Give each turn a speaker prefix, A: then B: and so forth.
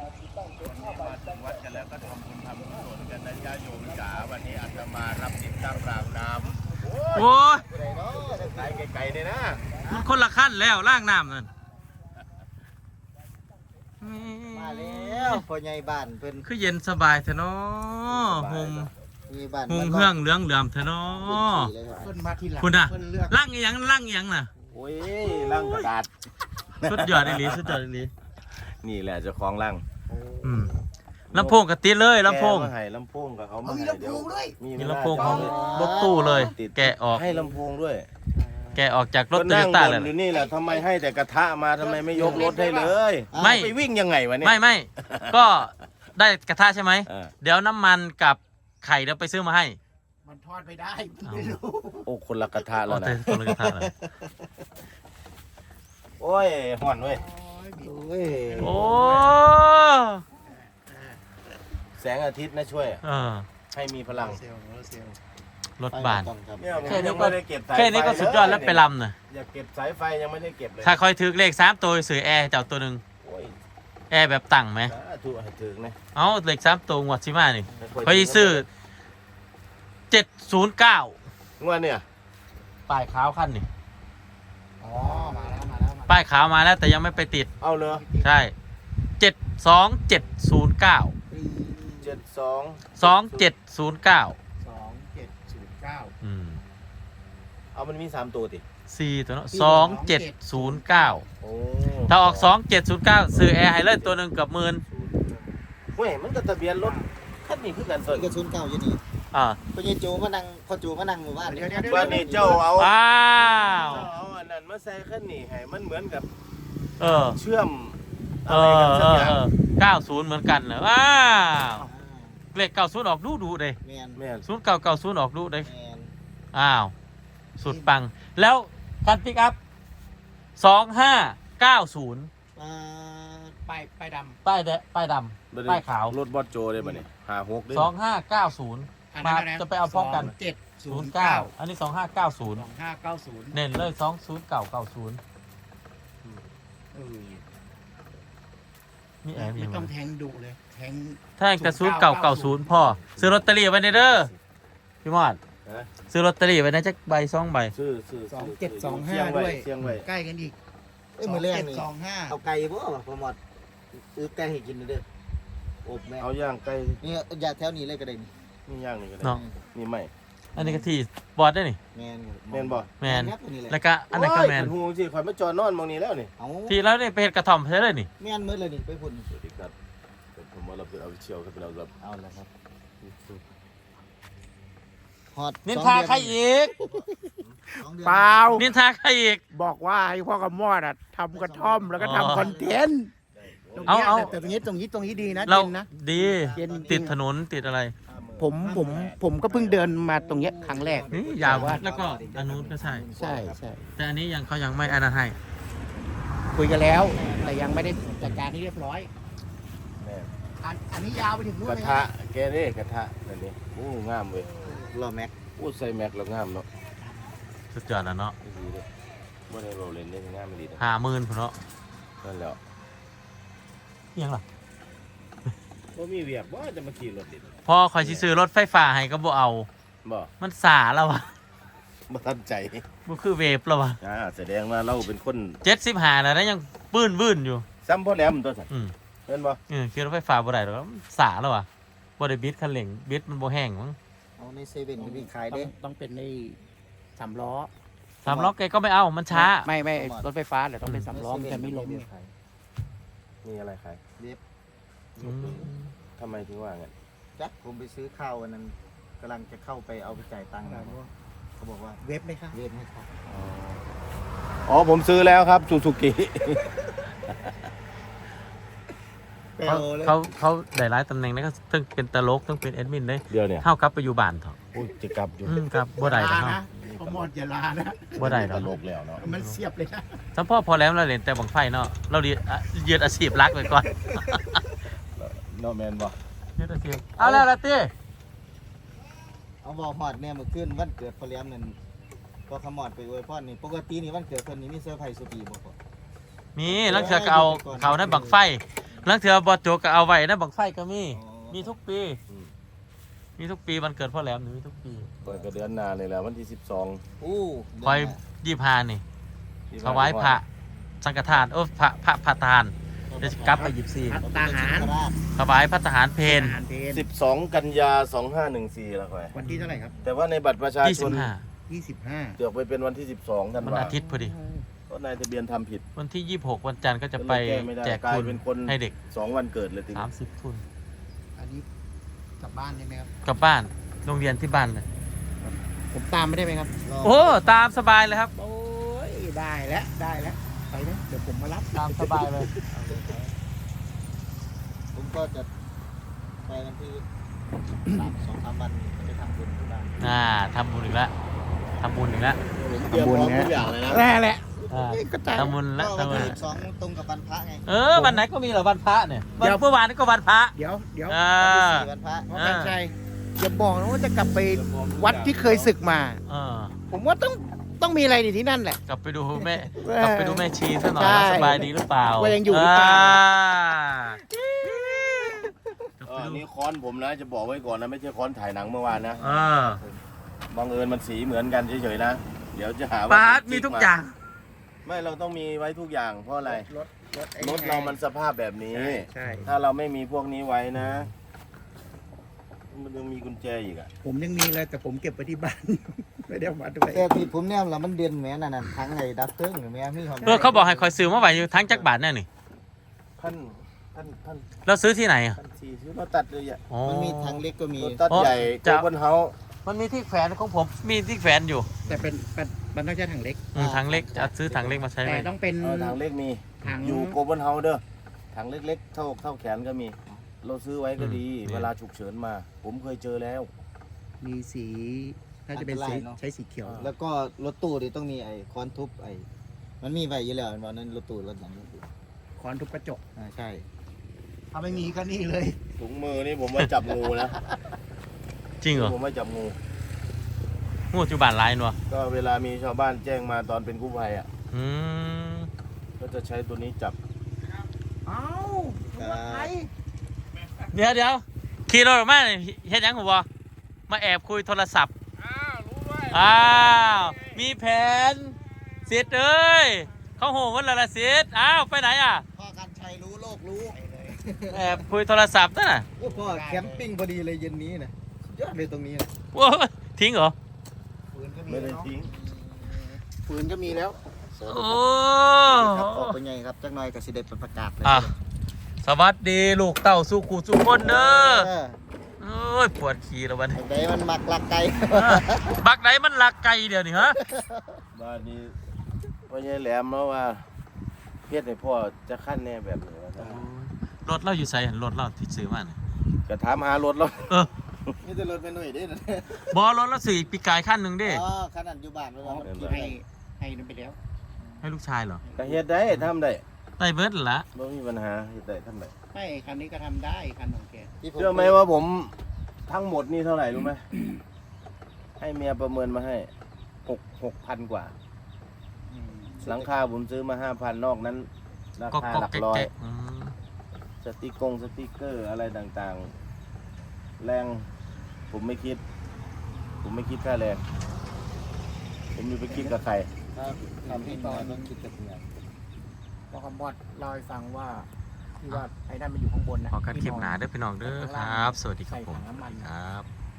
A: วันนี้มาถึงวัดกันแล้วก็ทำบุญทำกุศลกันนะญาติโยมจ๋าวันนี้อาตมารับติดตั้งรางน้ำ
B: โอ้ย
A: ไกลๆเลยนะ
B: มันคนละขั้นแล้วล่างน้ำนั่น
C: มาแล้วพ่อใหญ่บ้านเพิ่น
B: คือเย็นสบายเถอะเนาะห่ม
C: มีบ้าน
B: ห่มเครื่องเหลืองเหลื่อมเถอะเนาะ
D: เพิ่นมาทีหลัง
B: คุณน่ะ
D: เพิ่นเลือก
B: ล่างอีหยังล่างอีหยังน่ะ
A: โอ้ยร่างกระดาษ
B: สุดยอดอีหลีสุดยอดอีหลี
A: นี่แหละเจ้าของร่าง
B: อืมลำโพงกระติดเลยลำโพง
A: แกมาให้ลำโพงกับเขามา
D: มี
A: ให้
D: ลำ
A: เดี๋ยว
D: โพงด้วย
B: มีลำโพงของรถตู้เลย แกะออก
A: ให้ลำโพงด้วย
B: แกะออกจากรถ
A: ก็
B: โต
A: นั่
B: โย
A: ง
B: ต้า
A: บ่
B: เลย
A: นอยู่นี่แหละทำไมให้แต่กระทะมาทำไมไม่ยกรถให้เลย
B: ไม่
A: ไปวิ่งยังไงวะเนี่ย
B: ไม่ก็ได้กระทะใช่ไหม
A: เออ
B: เดี๋ยวน้ำมันกับไข่เดี๋ยวไปซื้อมาให้
D: มันทอดไม่ได้ไม่รู้
A: โอ้คนละกระทะแล้
B: เอา
A: ว
B: แต่
A: นะ
B: คนละกระทะเลย
A: โอ้ยห่อนเว้ย
C: โอ้ย
B: โอ้
A: แสงอาทิตย์นะช่วย
B: เออ
A: ให้มีพลัง
D: เซลล์เซลล์
B: รถบาน
A: เนี่ยผม
B: แค่นี้
A: ยัง
B: ก็
A: ไม่ได้เก็บสายไฟ
B: แค่นี้ก็สุดยอดแล้วไปลำน่ะ
A: อยากเก็บสายไฟยังไม่ได้เก็บเลย
B: ถ้าคอยถือเลข3ตัวซื้อแอร์เจ้าตัวหนึ่ง
A: โอ้ย
B: แอร์แบบตั้งไหม
A: ถูกให้ถึงนะ
B: เอาเลข3ตัวงวดสิมานี่คอยซื้อ709
A: งวดเนี่ย
B: ป้ายขาวขั้นนี่
D: อ๋อมาแล้วมาแล้วมาแล้ว
B: ป้ายขาวมาแล้วแต่ยังไม่ไปติด
A: เอาเลย
B: ใช่72709
A: 72
B: 2709
D: 2709
B: อืม
A: เอามันมี3ตัวติ
B: 4ตัวเนาะ2709
A: โอ้
B: ถ้าออก2709ซื้อแอร์ให้เลยตัวหนึ่งเกับ10,000
A: เว้ยมันก็ทะเบียนรถคันนี้คือกันส่วน
C: กระสุนเก่าอยู่นี่
B: อ่า
C: พ่อใหญ่จูมานั่งพ่อจูมานั่งหมู่บ้าน
D: เดี๋ยว
A: ว่านี่เจ้าเอา
B: อ้าว
A: เอาอันนั้นมาใส่คันนี้ให้มันเหมือนกับ
B: เออ
A: เชื่อม
B: เอ
A: อะไร
B: อ
A: กันสักอย่าง
B: 90เหมือนกันเหรอว้าวเลข90ออกดูเลย
C: แมน
A: แม่น
B: 0990ออกดูเลย
C: แมน
B: อ้าวสุดปังแล้วคันปิกอัพ2590
D: ไปด
B: ป้ายแดงป้ายดำป้ายขาว
A: รถบอสโจได้ป่ะเนี่ย56ด้วย
B: 2590
D: ำอัน
B: มา
D: นั้น
B: จะไปเอาพร้อมกัน
D: 2709
B: อันนี้2590
D: 2590
B: เน้นเลย2090 นี่แอบ
D: ไม่
B: ยัง
D: ต้องแทงดุเลยแทง
B: ถ้าจะ0990พ่อซื้อลอตเตอรี่ไว้ในเด้อพี่มอด
A: ฮะ
B: ซื้อลอตเตอรี่ไว้ในจักใบ2ใบ
A: ซื้อ
D: 2725ด้วย
A: เสียงไว้
D: ใกล้กันอีก
C: มื้อแรกนี่
D: 2725
C: เอาไก่บ่พ่อหมดซื้อไก่ให้กินเด้ออบแม่
A: เอาย่างไก่
C: นี่อยากแถวนี้เลยก็ได้นี่
A: นี่ย่างนี่ก็ได้
B: เนาะ
A: นี่ไม่
B: อันนี้ก็ที่บอดได้นี่
C: แมน
A: แม่นบ่
B: แมน
C: ตัวนี้แหละ
B: แล้วก็อันนั้นก็แมน
A: โอ้ยขัหูสิข่อยมาจอดนอนมองนี้แล้วนี่
C: เอา
B: ที่แล้วนี่ไปเฮ็ดกระท่อมใช่เลยนี่
C: แม่นหมดเลยนี่ไปพุ่น
A: สวัสดีครับผมว่าเราเป็นเอาเชียวครับเป็นเอาแบบ
C: เอาละครับฮอต
B: นินทาใครอีก
D: เปล่า
B: นินทาใครอีก
D: บอกว่าให้พ่อกับมอดอะทำกระท่อมแล้วก็ทำคอนเทนต์ตรง
B: เอา
D: เนี้ย
B: เอา
D: แต่ตรงนี้ดีนะ
B: เรา
D: เย็นนะ
B: ดี
D: เย็น
B: ติดถนนติดอะไร
D: ผมก็เพิ่งเดินมาตรงเนี้ยครั้งแรก
B: นี่ยาวแล้วก็อันนู้นก็ใช่
D: ใช่ใช่
B: แต่อันนี้ยังเขายังไม่อันนั้นให้
D: คุยกันแล้ว แต่ยังไม่ได้จัดการให้เรียบร้อย
A: แม่
D: อันนี้ยาวไปถึงนู่น
A: กระ
D: เลย
A: ทะแกนี่กระทะนั่นนี่โอ้งามเว้ย
C: รอแม็ก
A: โอ้ใส่แม็กแล้วงามเนาะ
B: สุดยอดแล้วเนาะ
A: ดีเลยบ่ได้เราเล่นได้งามดีนะ
B: 50,000พุ่นเนาะ
A: นั่นแหล้ว
B: อิหยังล่ะ
A: บ่มีเวียกบ่จะมาขี่รถดิ
B: พอคอยสิซื้อรถไฟฟ้าให้ก็บ่เอา
A: บ่
B: มันสาแล้ววะ
A: บ่ทันใจ
B: บ่คือเวฟแล้ววะ
A: แสดงว่าเราเป็นคน
B: 75แล้วยังปื้นวื้นอยู่
A: ซ้ำพ่อแหลมตัวสั่น
B: อืม
A: เห็นบ่
B: ขี่รถไฟฟ้าบ่ได้หรอกมันสาแล้ววะบ่ได้บิดคันเร่งบิดมันบ่แห้งมั้ง
C: เอาในเซเว่นก็มีขาย
D: ต้อ
C: เด้
D: งต้องเป็นในสามล้อ
B: 3ล้อแกก็ไม่เอามันช้า
D: ไม่รถไฟฟ้าเดี๋ยวต้องเป็นสามล้อมันจะไม่ล้ม
A: มีอะไรขาย
B: อืม
A: ทำไมถึงว่างั้น
C: จักผมไปซื้อข้าวอันนั้นกำลังจะเข้าไปเอาไปจ่ายตังค์เขาบอกว่า
D: เว็บไหมคะ
C: เว็บให้ครับ
A: อ๋อผมซื้อแล้วครับซูซูกิ
B: เขาได้หลายตำแหน่งนะก็ต้องเป็นตลกต้องเป็นแอดมินเลย
A: เดี๋ยวเนี่ย
B: เฮากลับไปอยู่บ้านเถอะ
A: พูดจะกลับอยู่
B: ครับบ่ได้ดอกเนาะ
D: โปรโมทอย่าลานะ
B: บ่ได้ด
A: ต
B: อก
A: ลกแล้วเนาะ
D: มันเสียบเลยนะ
B: สัมพ่อพอแล้วเราเล่นแต่บังไฟเนาะเรายืดอาชีพรักไว้ก่อน
A: เนาะแมนบ่
B: ยืดอาชีพเอาแล้วล่ะติ
C: เอาบอกฮอดเนี่ยเมื่อคืนวันเกิดพ่อเลี้ยงนั่นก็ขมอดไปอวยพรนี่ปกตินี่วันเกิดเพิ่นนี่มีเซอร์ไพรส์สุปีบ่พ่อ
B: มีแล้วเธอก็เอาเขาได้บังไฟลังเถื่อบอดโจก็เอาไว้นะบังไฟก็มีมีทุกปีมีทุกปีวันเกิดพ่อแหลมนี่มีทุกปี
A: เปิดกระเดือนหนาเลยแหละวันที่
C: อู้
B: คอย25นี่
A: 12
B: ถวายพระสังฆทานพระทานเดี๋ยวจะกลับไป24
D: พัตตาหาร
B: ถวายพระทหารเพน
D: อาหารเพน
A: 12 กันยา 2514แล้วค่อย
D: วันที่เท่าไหร่ครับ
A: แต่ว่าในบัตรประชาชน
B: 25
D: 25
A: เดี๋ยวไปเป็นวันที่ 12ธัน
B: วัน
A: วา
B: อาทิตย์พอดี
A: เพราะนายทะเบียนทำผิด
B: วันที่ 26 วันจันทร์ก็จะไป
A: ก็เลยแก้ไม่ได้
B: แจก
A: กลาย
B: ทุน
A: เป็นคน
B: ให้เด็ก
A: 2 วันเกิดเลยทีนี้
B: 30 ทุน
D: อันนี้กลับบ้านได้ไหมครับ
B: กลับบ้านโรงเรียนที่บ้านเลย
D: ผมตามไม่ได้ไหมครับ
B: โอ้ตามสบายเลยครับ
D: โอ้ยได้แล้วไปนะเดี๋ยวผมมารับ
B: ตามสบายเลย
C: ผมก็จะไปกันที่2-3 วันไปทำบุญที่บ้าน
B: ทำบุญอีกแล้วทำบุญอีกแล้ว
A: ผมเตรียมพร้อมทุกอย่างเลยนะ
D: แหละ
B: อ่า
D: ก็ใจ
B: ทำบุญแล้ว
C: ก็
B: ทำบุ
C: วัน
B: ญ
C: ที่12ตรงกับวันพระไง
B: วันไหนก็มีเหรอวันพระเนี่ยวันเมื่อวานนี้ก็วันพระ
D: เดี๋ยว
B: อ่า
C: วันที่4วันพระ
D: พ่อกันชัยอย่าบอกนะว่าจะกลับไปวัดที่เคยศึกมา
B: เออ
D: ผมว่าต้องมีอะไรอยู่ที่นั่นแหละ
B: กลับไปดูแม่
D: เออก
B: ลับไปดูแม่ชีซะหน่อย
D: ใช่
B: ว่าสบายดีหรือเปล่า
D: ว่ายังอยู่หรือเปล่า
B: กลับไปดู
A: นี่ค้อนผมนะจะบอกไว้ก่อนนะไม่ใช่ค้อนถ่ายหนังเมื่อวานนะ
B: เออ
A: บังเอิญมันสีเหมือนกันเฉยๆนะ เดี๋ยวจะหาว่า
B: ปาร์ต
A: ผม
B: มี
A: จิ๊
B: ทุกอย่าง
A: ไม่เราต้องมีไว้ทุกอย่างเพราะอะไร
D: ไอ้
A: รถเรามันสภาพแบบนี้
D: ใช่
A: ถ้าเราไม่มีพวกนี้ไว้นะ มันยังมีกุญแจอีกอ่ะ
D: ผมยังมีเลยแต่ผมเก็บไว้ที่บ้าน ไม่ได้เอามาด้วย
C: แต่ที่ผมเนี่ยแล้วมันเด่นแม่นั่นน่ะทั้งไอ้ดับเพลิงหรือแม่มีความ
B: เขาบอกให้คอยซื้อมาไว้อยู่ทั้งจักรบาทแน่นี่
A: ท่าน
B: เราซื้อที่ไหนอ่ะ
A: ท่านสี่ซื้อรถตัดเลยอ่ะ
C: มันมีทั้งเล็กก็มี
A: รถตัดใหญ่
B: จะ
A: โกลบนเฮาส์
B: มันมีที่แขวนของผมมีที่แขวนอยู่
D: แต่เป็นมันต้องใช้ถังเล็ก
B: ถังเล็กจะซื้อถังเล็กมาใช้ไหม
D: แต่ต้องเป็น
A: ทางเล็กมี
D: ถัง
A: อยู่โกลบนเฮาส์เด้อถังเล็กๆเท่าแขนก็มี เราซื้อไว้ก็ดี เวลาฉุกเฉินมา ผมเคยเจอแล้ว
D: มีสีน่าจะเป็นสีใช้สีเขียว
C: แล้วก็รถตู้นี่ต้องมีไอ้ค้อนทุบไอ้มันมีไว้อยู่แล้ววันนั้นรถตู้รถหลังรถตู้
D: ค้อนทุบกระจก
C: ใช่
D: ถ้าไม่มีก็นี่เลย
A: ถุงมือนี่ผมไว้จับงูนะ
B: จริงเหรอ
A: ผมไว้จับงู
B: งูจุบานลายนัว
A: ก็เวลามีชาวบ้านแจ้งมาตอนเป็นกู้ภัยอ่ะ
B: อืม
A: ก็จะใช้ตัวนี้จับ
D: เอ้าไทย
B: เดี๋ยวขี่รถออกมาเนี่ยเฮ็ดหยังหัวมาแอบคุยโทรศัพท์อ้าวมีแผนเสียดเอ้ยเขาโหวันละละเสียดอ้าวไปไหนอ่ะ
C: พ่อกันชัยรู้โลกรู้
B: แอบคุยโทรศัพท์นั่นน่ะ
C: โอ้พ่อแคมปิ้งพอดีเลยเย็นนี้นะสุดยอดเลยตรงนี้นะ
B: โอ้ยทิ้งเหรอ
C: ปืนก็มี
A: ไม่ได้
C: เนาะ
A: ทิ้ง
D: ปืนก็มีแล้ว
B: โอ้
C: ครับออกไปไงครับจักหน่อยก็สิได้ประกาศเลย
B: อ่ะสวัสดีลูกเต้าสู้ขู่สู้คนเด้อ
C: เออ
B: โอ้ยปวดขี่แล้ววันนี้
C: ไอ้มันมักลักไก่
B: บักไหนมันลักไก่เดี๋ยวนี้ฮะ
A: บ้านนี้พ่อใหญ่แหลมแล้วว่าเพียรให้พ่อจะขั้นแน่แบบไหนวะ
B: รถเราอยู่ใส่รถเราที่ซื้อมาเนี่ย
A: ก็ถามหารถแล้ว
B: เออ
C: นี่จะรถไปหน่วยได้นะ
B: บอรถเราสี่ปีกายขั้นหนึ่งดิ
C: อ๋อขนาดอยู่บ้านไปแล้ว
D: ให้นั่นไปแล้ว
B: ให้ลูกชายเหรอ
A: ก็เฮ็ดได้ทำได้
B: ได้เบิร์ดละ
A: ไม่มีปัญหาเฮ็ดได้ทำได้
D: ไม่คันนี้ก็ทำได้คันของแก
C: ที่ผม
A: เชื่อไหมว่าผมทั้งหมดนี่เท่าไหร่รู้ไหม ให้เมียประเมินมาให้6,000 กว่า หลังคาผมซื้อมา 5,000 นอกนั้น รา
B: ก็
A: คา
B: ก็
A: หลัก
B: แก๊ก
A: ร้อย
B: แก๊กอืม
A: สติกเกอร์อะไรต่างๆ แรงผมไม่คิดค่าแรง ผมอยู่ไปคิดกับใคร
C: ครับทำให้ตอนต้องคิดกับเมีย
D: พอคำบอดเล่าให้ฟังว่าที่ว่าไอ้นั่นมันอยู่ข้างบนนะ
B: ขอกันคลิปหนาเด้อพี่น้องเด้อครับ สวัสดีครับ
D: ใส่
B: ผม
D: ถังน้ำมัน
B: ครับ